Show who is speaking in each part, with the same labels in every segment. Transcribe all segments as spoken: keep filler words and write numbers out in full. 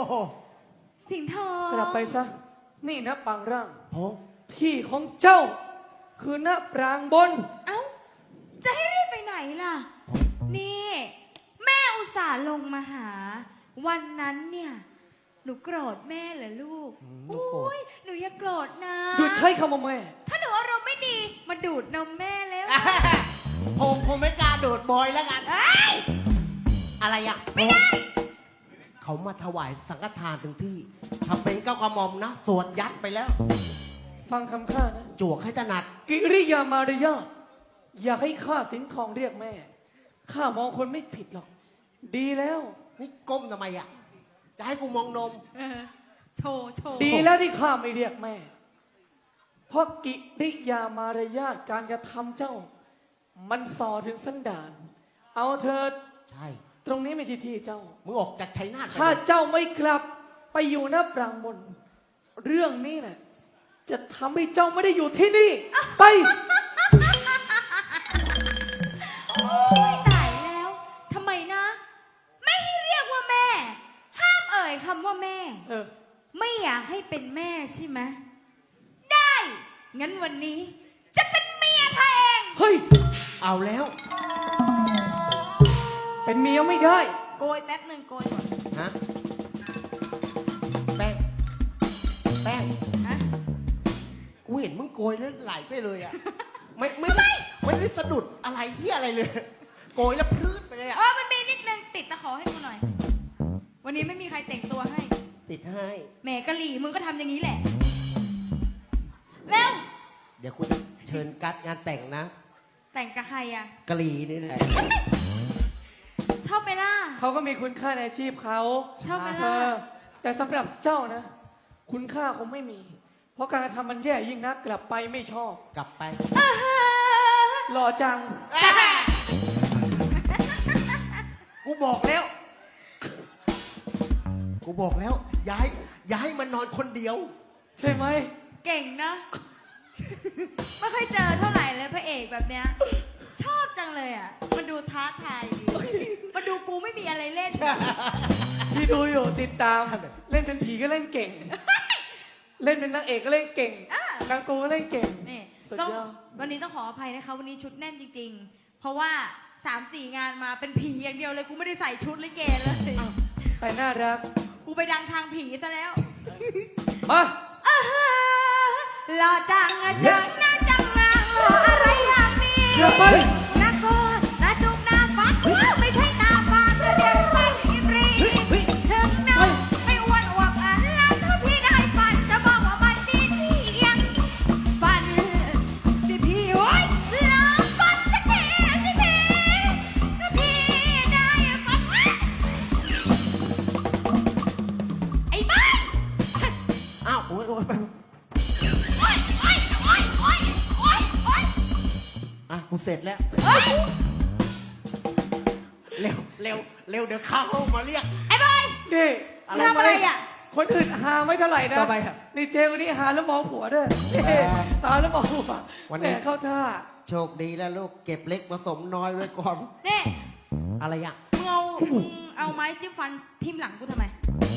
Speaker 1: สิงห์ทอง
Speaker 2: กลับไปซะนี่นะปางร่าง
Speaker 3: โอ้
Speaker 2: ที่ของเจ้าคือณปรางบน
Speaker 1: เอ้าจะให้รีบไปไหนล่ะนี่แม่อุตส่าห์ลงมาหาวันนั้นเนี่ยหนูโกรธแม่เหรอลูกโอ้ยหนูอย่าโกรธนะ
Speaker 2: หยุดใช้คำว่าแม่
Speaker 1: ถ้าหนูอารมณ์ไม่ดีมาดูดนมแม่แล้ว
Speaker 3: ผมคงไม่กล้าโดดบอยแล้วกัน
Speaker 1: เอ้ย
Speaker 3: อะไรอ่ะไม่ได้เขามาถวายสังฆทานถึงที่ทำเป็นเก้ากระหม่อมนะสวดยัดไปแล้ว
Speaker 2: ฟังคำข้านะ
Speaker 3: จวกให้ถนัด
Speaker 2: กิริยามารยาทอยากให้ข้าสิงห์ทองเรียกแม่ข้ามองคนไม่ผิดหรอก ดีแล้ว
Speaker 3: นี่ก้มทำไมอ่ะจะให้กูมองนม
Speaker 1: เออโชว์โชว์
Speaker 2: ดีแล้วที่ข้าไม่เรียกแม่ เพราะกิริยามารยาทการกระทำเจ้า มันส่อถึงสันดาน เอาเธอ
Speaker 3: ใช่
Speaker 2: ตรงนี้ไม่ใช่ที่เจ้า
Speaker 3: มึงออกจากชัยนาทไป
Speaker 2: ถ้า
Speaker 3: เลย
Speaker 2: เจ้าไม่กลับไปอยู่หน้าปรางบน เรื่องนี้นะจะทำให้เจ้าไม่ได้อยู่ที่นี่ ไป
Speaker 1: โอ้ยตายแล้วทำไมนะ ไม่ให้เรียกว่าแม่ ห้ามเอ่ยคำว่าแม่
Speaker 2: เออ
Speaker 1: ไม่อยากให้เป็นแม่ใช่ไหมได้งั้นวันนี้ จะเป็นเมียเธอเอง
Speaker 2: เฮ้ย
Speaker 3: เอาแล้ว
Speaker 2: เป็นเมียไม่ได้
Speaker 1: โกยแป๊บหนึ่งโกยก่อน
Speaker 3: ฮะแป้งแป้ง
Speaker 1: ฮะ
Speaker 3: กูเห็นมึงโกยแล้วไหลไปเลยอ่ะไม่ไม่ไม่ไม่ได้สะดุดอะไรเหี้ยอะไรเลย โกยแล้วพื้นไปเลยอ่ะ
Speaker 1: เออมันมีนิดนึงติดตะขอให้กูหน่อย วันนี้ไม่มีใครแต่งตัวให้
Speaker 3: ติดให้
Speaker 1: แหมกะหลี่มึงก็ทำอย่างนี้แหละเร็ว
Speaker 3: เดี๋ยวกูจะเชิญกัดงานแต่งนะ
Speaker 1: แต่งกับใครอ่ะ
Speaker 3: กะหรี่นี่แหละ
Speaker 1: ชอบไหมล่ะ
Speaker 2: เขาก็มีคุณค่าในอาชีพเขา
Speaker 1: ชอบไหม
Speaker 2: เอ
Speaker 1: ล่ะ
Speaker 2: อแต่สำหรับเจ้านะ คุณค่าคงไม่มี เพราะการกระทำมันแย่ยิ่งนักกลับไปไม่ชอบ
Speaker 3: กลับไป
Speaker 1: อ่าฮะ
Speaker 2: หล่อจัง
Speaker 3: กูบอกแล้ว กูบอกแล้ว ย้ายย้ายมันนอนคนเดียว
Speaker 2: ใช่ไหม
Speaker 1: เก่งนะ ไม่ค่อยเจอเท่าไหร่เลยพระเอกแบบเนี้ย ชอบจังเลยอ่ะ มันดูท้าทายดีมันดูกูไม่มีอะไรเล่น
Speaker 2: ที่ดูอยู่ติดตาม เล่นเป็นผีก็เล่นเก่ง เล่นเป็นนางเอกก็เล่นเก่ง
Speaker 1: อ่ะ
Speaker 2: นางกูก็เล่นเก่ง
Speaker 1: นี่
Speaker 2: สุด
Speaker 1: ต้อง
Speaker 2: ยอด
Speaker 1: วันนี้ต้องขออภัยนะคะ วันนี้ชุดแน่นจริง ๆ เพราะว่าสามสี่งานมาเป็นผีอย่างเดียวเลย กูไม่ได้ใส่ชุดลิเกเลย
Speaker 2: แต่น่ารัก
Speaker 1: กูไปดังทางผีซะแล้ว
Speaker 2: มา
Speaker 1: อ่าฮะหล่อจังอะจังหน้าจังนางหล่ออะไรอย่างนี้
Speaker 2: เชื่อไหม
Speaker 1: หน้าโกนหน้าจุกหน้าฟัดว้าวไม่ใช่หน้าฟาดแต่เด็กฟันอิบรีถึงน้องไม่อ้วนอวบอันแล้วถ้าพี่ได้ฟันจะบอกว่ามันดีเที่ยงฟันสิพี่โอ้ยลองฟันสักทีสิพี่ถ้าพี่ได้ฟันไอ้บ้า
Speaker 3: อ้าวโอ้ยโอ้ยไป
Speaker 1: โอ๊ยโอ๊ยโอ๊ยโอ๊ยโอ๊ยโอ๊ย
Speaker 3: อ่ะกูเสร็จแล้ว
Speaker 1: เฮ้ย
Speaker 3: เร็วเร็วเร็วเดี๋ยวเข้าห้องมาเรียก
Speaker 1: ไอ้บอย
Speaker 2: นี่
Speaker 3: อะไร
Speaker 1: ทำอะไรอ่ะ
Speaker 2: คนอื่นหาไม่เท่าไหร่นะ
Speaker 3: ทำไมอะ
Speaker 2: นี่เจคนนี้หาแล้วมองผัวด้วย
Speaker 3: เออ
Speaker 2: หาแล้วมองผัว
Speaker 3: วันนี้
Speaker 2: แหมเข้าท่า
Speaker 3: โชคดีแล้วลูกเก็บเล็กผสมน้อยไว้ก่อน
Speaker 1: นี่
Speaker 3: อะไรอ่ะ
Speaker 1: มึงเอามึงเอาไม้จิ้มฟันทิ่มหลังกูทำไม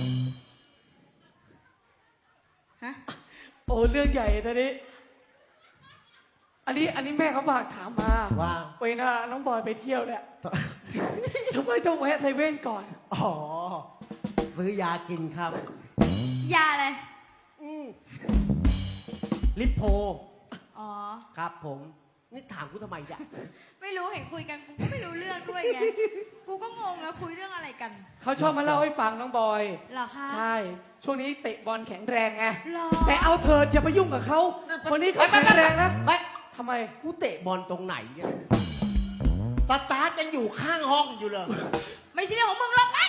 Speaker 1: ฮะ
Speaker 2: โอ้เรื่องใหญ่ตอนนี้ อันนี้อันนี้แม่เขาฝากถามมา
Speaker 3: ว่า
Speaker 2: เวลาน้องบอยไปเที่ยวเนี่ยทำไมต้องแวะเซเว่นก่อน
Speaker 3: อ๋อ ซื้อยากินครับ
Speaker 1: ยาอะไร
Speaker 3: อืมลิปโพ
Speaker 1: อ๋อ
Speaker 3: ครับผม นี่ถามกูทำไมอ่ะ
Speaker 1: ไม่รู้เห็นคุยกันกูก็ไม่รู้เรื่องด้วยไง กูก็งงแล้วคุยเรื่องอะไรกัน
Speaker 2: เขาชอบมาเล่าให้ฟังน้องบอย
Speaker 1: เหรอคะ
Speaker 2: ใช่ ช่วงนี้เตะบอลแข็งแรงไง
Speaker 1: เหรอ
Speaker 2: แต่เอาเธออย่าไปยุ่งกับเขา คนนี้เขาแข็งแรงนะ
Speaker 3: ไม่
Speaker 2: ทำไม
Speaker 3: กูเตะบอลตรงไหนเนี่ยสตาร์ทยังอยู่ข้างห้องอยู่เลย
Speaker 1: ไม่ใช่เรื่องของมึงหรอกไป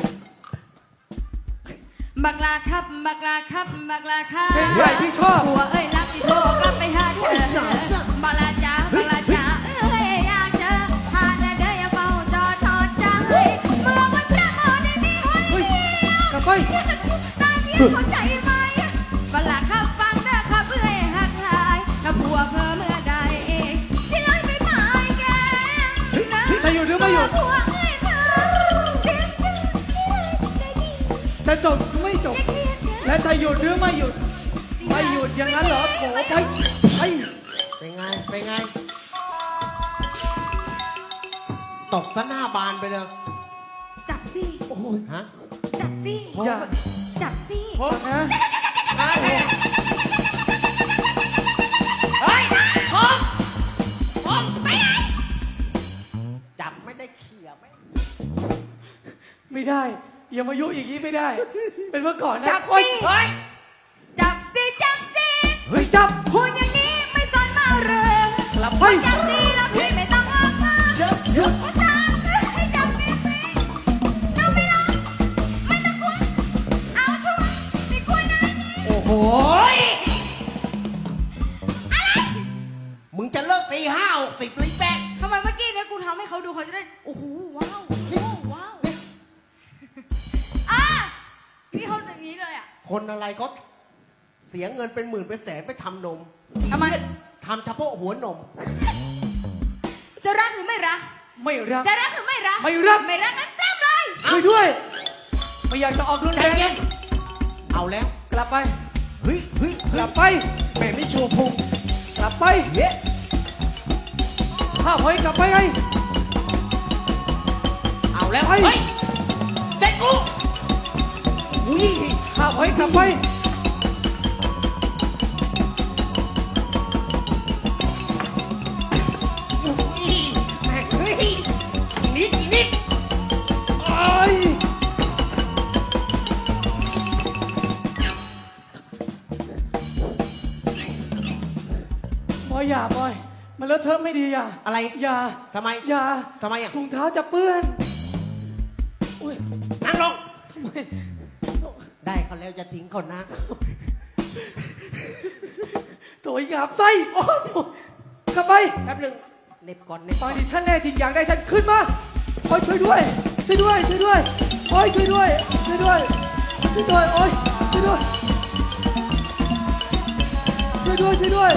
Speaker 1: บักลาครับ บักลาครับ บักลาครับ
Speaker 2: เพลงใหญ่ที่ชอบ
Speaker 1: หัวเอ้ยรักที่โทรกลับไปหาเธอบักลาจ้าบักลาจ้าเอ้ยอยากเจอหาแต่เธออย่าเฝ้าจอทอดใจเมื่อมันจะมาในนี้คน
Speaker 2: เฮ้ย
Speaker 1: เดียว
Speaker 2: กลับไป
Speaker 1: ตาเดียวเข้าใจไหมบักลาครับฟังเด้อครับเอ้ยหักหลายถ้าผัวเพิ่มเมื่อใดที่เลยไม่หมายแก
Speaker 2: จะอยู่หรือไม่อยู่
Speaker 1: ผัวเอ้ยเพิ่ม
Speaker 2: จะจบจบ และจะหยุดหรือไม่หยุด ไม่หยุดอย่างนั้นเหรอโผไปไป
Speaker 3: เป็นไง เป็นไง ตกซะหน้าบานไปเลย
Speaker 1: จับสิ
Speaker 2: โอ้ย
Speaker 3: ฮะ
Speaker 1: จับสิ
Speaker 2: อย่า
Speaker 1: จับสิ
Speaker 3: โอ้
Speaker 2: นะ
Speaker 3: เฮ้ยผมผมไปไหน จับไม่ได้เขี่ยไม่
Speaker 2: ไม่ได้อย่ามายุอย่างนี้ไม่ได้ เป็นเมื่อก่อนนะ
Speaker 1: จับ
Speaker 2: โอ๊
Speaker 1: สิ
Speaker 2: ยเฮ้ย
Speaker 1: จับสิจับสิ
Speaker 2: เฮ้ยจับ
Speaker 1: พูดอย่างนี้ไม่สนมาเรื่อง
Speaker 2: กลับไป
Speaker 1: จับสิแล้วพี่ไม่ต้องอ้อมมา
Speaker 3: เชื่อเชื่อ
Speaker 1: จับให้จับสิสิเราไม่รักไม่ต้องกลัวเอาชัวร์ไม่กลัวนะนี่
Speaker 3: โอ้โหยมึงจะเลิกตีห้าหกสิบเลยแป๊ก
Speaker 1: ทำไมเมื่อกี้เนี่ยกูทำให้เขาดูเขาจะได้โอ้โหว้าวโอ้โหว้าวอ่ะพี่เขาอย่างนี้เลยอ่ะ
Speaker 3: คนอะไรก็เสียเงินเป็นหมื่นเป็นแสนไปทำนม
Speaker 1: ทำไม
Speaker 3: ทำเฉพาะหัวนม
Speaker 1: จะรักหรือไม่รัก
Speaker 2: ไม่รัก
Speaker 1: จะรักหรือไม่รัก
Speaker 2: ไม่รัก
Speaker 1: ไม่รักนั้นปล้ำเลย
Speaker 2: ช่วยด้วย ไม่อยากจะออกรุน
Speaker 3: ใจ
Speaker 2: แรง
Speaker 3: เย็น เอาแล้ว
Speaker 2: กลับไป
Speaker 3: เฮ้ยเฮ้ย
Speaker 2: ก
Speaker 3: เฮ้
Speaker 2: ลั
Speaker 3: ย
Speaker 2: บไป
Speaker 3: แม่ไม่โชว์พุง
Speaker 2: กลับไป
Speaker 3: เฮ้ย
Speaker 2: ข้าพอยกลับไปไง
Speaker 3: เอาแล้ว
Speaker 2: ไป
Speaker 3: เฮ้ยเสร็จกูอุ้ย
Speaker 2: ข้าพอยกลับไป
Speaker 3: อุ้ยแม่งเฮ้ยอีกนิดอีกนิด
Speaker 2: ไอ้ยบอยอย่าบอย มันเลอะเทอะไม่ดีอย่า
Speaker 3: อะไร
Speaker 2: อย่า
Speaker 3: ทำไม
Speaker 2: อย่า
Speaker 3: ทำไมอ่ะ
Speaker 2: ถุงเท้าจะเปื้อน อุ้ย
Speaker 3: นั่งลง
Speaker 2: ทำไม
Speaker 3: ได้เขาแล้วจะทิ้งเขานะ
Speaker 2: ตัวหยาบไส้โอ้ยกลับไป
Speaker 3: แป๊บหนึงเหน็บก่อนเหน็บ
Speaker 2: ต
Speaker 3: ก่
Speaker 2: อ
Speaker 3: อน น
Speaker 2: นี้ท่านแน่จริงอยากได้ฉันขึ้นมาโอ้ยช่วยด้วย ช่วยด้วย ช่วยด้วย โอ้ยช่วยด้วย ช่วยด้วย ช่วยด้วย โอ้ยช่วยด้วย ช่วยด้วย ช่วยด้วย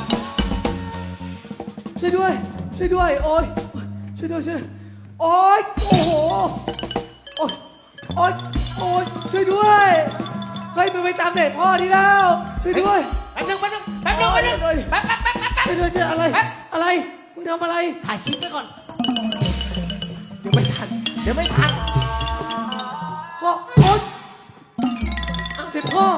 Speaker 2: ช่วยด้วย ช่วยด้วย โอ้ยช่วยด้วย ช่วย โอ้ยโอ้โห โอ้ยโอ้ยโอ้ยช่วยด้วยเฮ้ยมึงไปตามเด็กพ่อที่แล้ว ช่วยด้วย
Speaker 3: แป๊บหนึงแป๊บหนึงแป๊บหนึงแป๊บหนึงแป๊บแป๊บแป๊บแป๊บแป๊บ
Speaker 2: ช่วยด้วยช่วยอะไร
Speaker 3: แป๊บ
Speaker 2: อะไร มึงทำอะไร
Speaker 3: ถ่ายคลิปไว้ก่อน เดี๋ยวไม่ทัน เดี๋ยวไม่ทัน
Speaker 2: พ่อโอ๊ยเสร็จพ่อ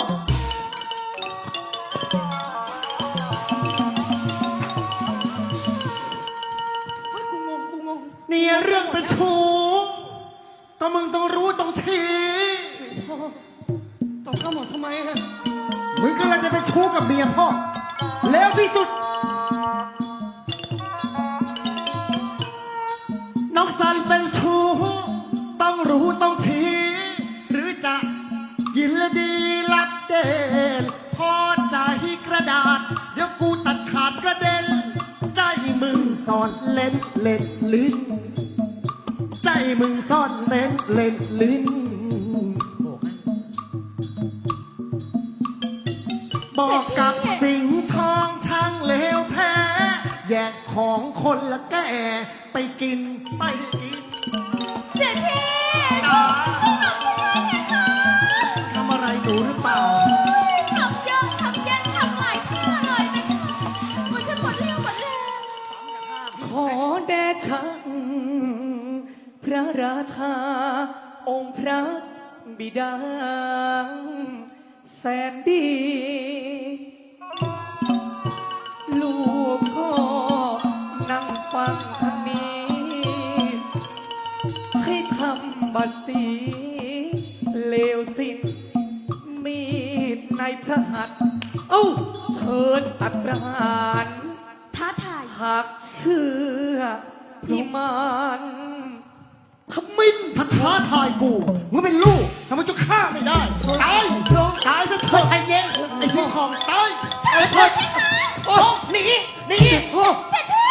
Speaker 1: เฮ้ยกูงงกูงง
Speaker 4: เนี่ยเรื่องเป็นชู้ก็มึงต้องรู้ต้องที
Speaker 2: พ่อตอบข้าวหมดทำไมฮะ
Speaker 4: มึงกำลังจะเป็นชู้กับเมียพ่อ แล้วที่สุด น้องสันเป็นชู้ต้องรู้ต้องที หรือจะยินและดีรับเด่นพอใจกระดาษ เดี๋ยวกูตัดขาดกระเด็น ใจมึงสอนเล่นเล่นลิ้น ใจมึงซ่อนเล่นเล่นลิ้น บอกกับสิงห์ทองช่างเลวแท้ แยกของคนละแก่ไปกินไปกิน
Speaker 1: เสียที
Speaker 4: จ๋า
Speaker 1: ช่วยบอกกูด้วยนะคะ
Speaker 4: ทำอะไรหนูหรือเปล่า
Speaker 1: ทำเยอะทำเยอะทำหลายท่าเลยนะคะมันฉันหมดเรี่ยวหมดแรง
Speaker 2: ขอแด่ชังพระราชา องค์พระบิดา แสนดี ลูกพ่อนั่งฟังทางนี้ ใช้ทำบัตรสีเลวสิ้น มีดในพระหัตถ์เอ้า เชิญตัดประหาร
Speaker 1: ท้าทาย
Speaker 2: หากเชื่อพิมานขมิ้น
Speaker 4: ถ้าท้าทายกูมึงเป็นลูกทำไมจะฆ่าไม่ได้ ตายตายซะเถอะ
Speaker 3: ใจเย็น
Speaker 4: ไอ้สิงห์ทองตาย